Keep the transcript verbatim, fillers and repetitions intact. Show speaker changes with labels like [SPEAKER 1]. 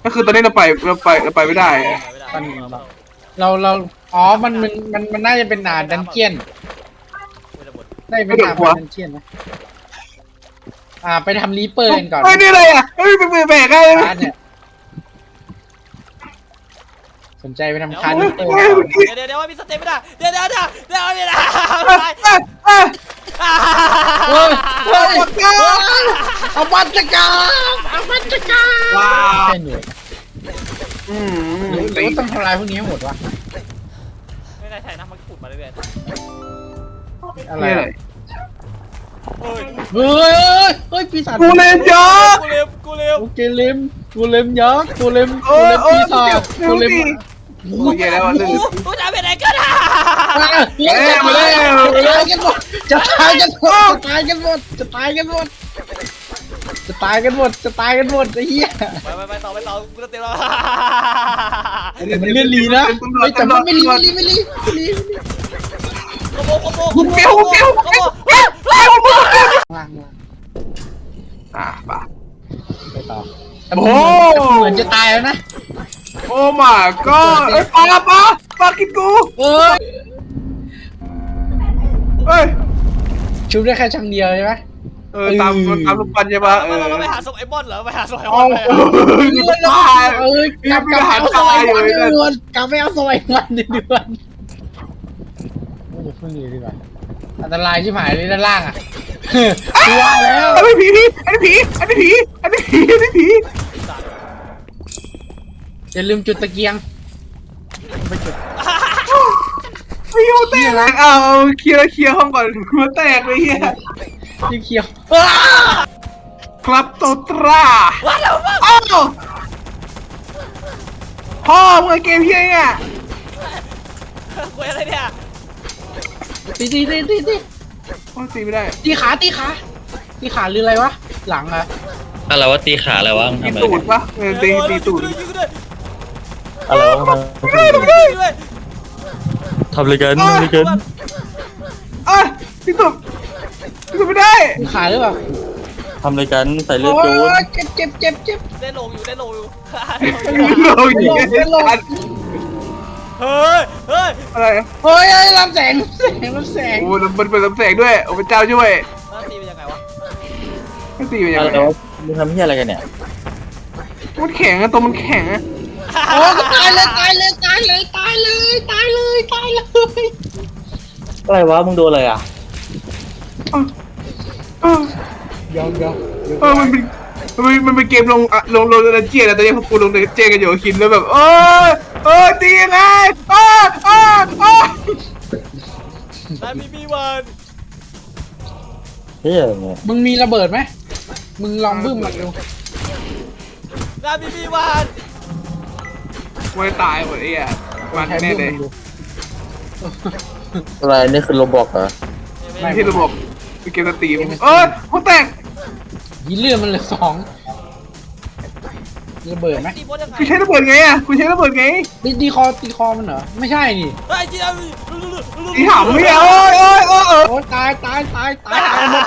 [SPEAKER 1] ก็คือตอนนี้เราไปเราไปเราไปไม่ได้
[SPEAKER 2] ตอนนี้เราเราอ๋อมันมันมันมันน่าจะเป็นด่านดันเจียนได้เป็นด่านดันเจียนนะอ่าไปทำรีเปอร์กันก่อน
[SPEAKER 1] เฮ้ยนี่อะไรอ่ะเฮ้ยเป็นมือแบกได้
[SPEAKER 2] คาร์ดเนี่ยสนใจไปทำคาร์ดรีเปอร์
[SPEAKER 3] เดี๋ยวเดี๋ยวมีสเต็ปไม่ได้เดี๋ยวเดี๋ยวเดี๋ยวเดี๋ยวเดี๋ยว
[SPEAKER 2] เฮ้ยเฮ้ยเอาบัตรกาเอาบัตรกา
[SPEAKER 1] ว้าว
[SPEAKER 2] แค่หน่วย
[SPEAKER 1] อืม
[SPEAKER 2] หรือหรือว่าต้องทำลายพวกนี้ให้หมดวะ
[SPEAKER 3] ไม่ได้ใช่นะมันขุดมาเรื่อย
[SPEAKER 2] อะไร
[SPEAKER 1] นี่อะไร
[SPEAKER 3] ๆเฮ้ย
[SPEAKER 2] เฮ้ยเฮ้ยปีศาจ
[SPEAKER 1] กูเล่นยักษ์
[SPEAKER 3] กูเร็วกูเร็ว
[SPEAKER 2] กูเกเลมกูเลมยักษ์กูเลม
[SPEAKER 1] โอ้
[SPEAKER 2] กู
[SPEAKER 1] ย
[SPEAKER 2] เลม
[SPEAKER 1] โอ้ย
[SPEAKER 2] ปีศาจ
[SPEAKER 1] เจ็บ
[SPEAKER 2] กูเลม
[SPEAKER 1] ดิโอ้ยแย่แล้วลื่น
[SPEAKER 3] กูจะไปไหนก็ได้
[SPEAKER 2] เฮ้ยมาแล้วจะตายกันหมดจะตายกันหมดจะตายกันหมดจะตายกันหมดจะตายกันหมดจะตายกันหมดไอ้เหี้ย
[SPEAKER 3] ไปไปไปต่อไปต่อกูจะเต็มแล้ว
[SPEAKER 2] มันเล่นลีนะไม่แต่มันไม่ลีไม่ลีไม่ลีไม่ลี
[SPEAKER 3] โกโบโกโบ
[SPEAKER 1] กูเกลียวกูเกลียว
[SPEAKER 3] โกโบเฮ้ยเฮ้ย
[SPEAKER 2] ล่าง
[SPEAKER 1] อ่ะป่ะ
[SPEAKER 2] ไปต่อโอ้เหมือนจะตายแล้วนะ
[SPEAKER 1] โอ้ my god เอ้ยปลาปลาปลากินกู
[SPEAKER 2] เอ้ย
[SPEAKER 1] เฮ้ย
[SPEAKER 2] ชุบได้แค่ชั้นเดียวใช่ไหม
[SPEAKER 1] เออตามตามลูกปันใช่ปะเออ
[SPEAKER 3] เราไปหาศพไอ้บอลเหรอไปหาศพไอ้บ
[SPEAKER 2] เอา
[SPEAKER 3] อลเลย
[SPEAKER 2] เงินละเอ้ยกลับกลับเอาสมัยวันเดือนกลับไปเอาสมัยวันเดือนไม่จะพึ่งเลยดีกว่าอันตรายชิบหายเลยด้านล่างอ่ะกลัวแล้ว
[SPEAKER 1] อันนี้ผีอันนี้ผีอันนี้ผีอันนี้ผีอันนี้ผี
[SPEAKER 2] อย่าลืมจุดตะเกียงไปจุด
[SPEAKER 1] ฟิวแตกเอาเคลียร์เคลียร์ห้องก่อนหัวแตกเลยเฮีย
[SPEAKER 2] ยิ่งเขียว
[SPEAKER 1] ครับโตตรา
[SPEAKER 3] ว้าวว้าว
[SPEAKER 1] อ้าวพ่อมึงเกมเฮียเนี่ย
[SPEAKER 3] คุยอะไรเนี่ย
[SPEAKER 2] ตีตีตีตีตี
[SPEAKER 1] พ่อตีไม่ได้
[SPEAKER 2] ตีขาตีขาตีขาหรืออะไรวะหลังอะ
[SPEAKER 4] อะไรวะตีขาอะไรวะมึง
[SPEAKER 1] ตี
[SPEAKER 4] ทำอะไร
[SPEAKER 1] ตูด
[SPEAKER 4] กัน
[SPEAKER 1] ปะเออตีตีตูด
[SPEAKER 3] ยิงกูด้วย
[SPEAKER 4] อะไรวะมึง
[SPEAKER 3] ยิงกูด้วยยิงกูด้วย
[SPEAKER 4] ทำอะไรกันทำอะไรกัน
[SPEAKER 1] อ่ะตีตูดตีตูดไม่ได้
[SPEAKER 2] ตีขาหรือเปล่า
[SPEAKER 4] ทำอะไรกันใส่เลือด
[SPEAKER 2] โอ้
[SPEAKER 4] จูน
[SPEAKER 2] ยเจ็บเจ็บเจ็บเจ็บ
[SPEAKER 3] ได้ลงอยู่ได้ลงอยู่
[SPEAKER 1] เราอย่างเงี้ย
[SPEAKER 3] เฮ้ยเฮ้ย
[SPEAKER 1] อะไร
[SPEAKER 2] เฮ้ยเฮ้ยลำแสงแสงลำแสง
[SPEAKER 1] โอ้มันเป็นลำแสงด้วยโอ้พระเจ้าช่วย
[SPEAKER 3] มันตีเป็นยังไงวะ
[SPEAKER 1] ไม่ตีเป็นยัง
[SPEAKER 4] อะไร
[SPEAKER 1] ไง
[SPEAKER 4] วะมึงทำเหี้ยอะไรกันเนี่ย
[SPEAKER 1] มันแข็งอะตัวมันแข็งอะ
[SPEAKER 2] โอ้ก็ตายเลยตายเลยตายเลยตายเลยตายเลยตายเลย
[SPEAKER 4] อะไรวะมึงโดนอะไรอ่ะ
[SPEAKER 1] เออย
[SPEAKER 2] อมยอม
[SPEAKER 1] เออมันเป็นมันมันเป็นเกมลงอะลงลงดันเจียนอะตอนนี้พวกกูลงดันเจียนกันอยู่คิดแล้วแบบเออเออตียังไงเออเออเออ
[SPEAKER 3] ได้มีมีวัน
[SPEAKER 4] เหี้ยเนี่ย
[SPEAKER 2] มึงมีระเบิดไหมมึงลองบึ้มมันดู
[SPEAKER 3] ได้มีมีวัน
[SPEAKER 1] ไม่ตายหมดไอ้อะมันแน่เลย
[SPEAKER 4] อะไรนี่คือโรบอกเหรอ
[SPEAKER 1] ไม่ที่ระบบเป็นเกมสตรีมเออหัวแตก
[SPEAKER 2] ยีเลือดมันเหลือสองระเบิดไหม
[SPEAKER 3] ตีบอลยังไง
[SPEAKER 1] คุณใช้ระเบิดไงอะคุณใช้ระเบิดไง
[SPEAKER 2] ตีตีคอตีคอมันเหรอไม่ใช่นี่
[SPEAKER 3] เฮ้ยจีน
[SPEAKER 1] ตีหำไม่เอาโอ้ยโอ้ยโอ้ย
[SPEAKER 2] โอ้ตายตายตายตายตายหมด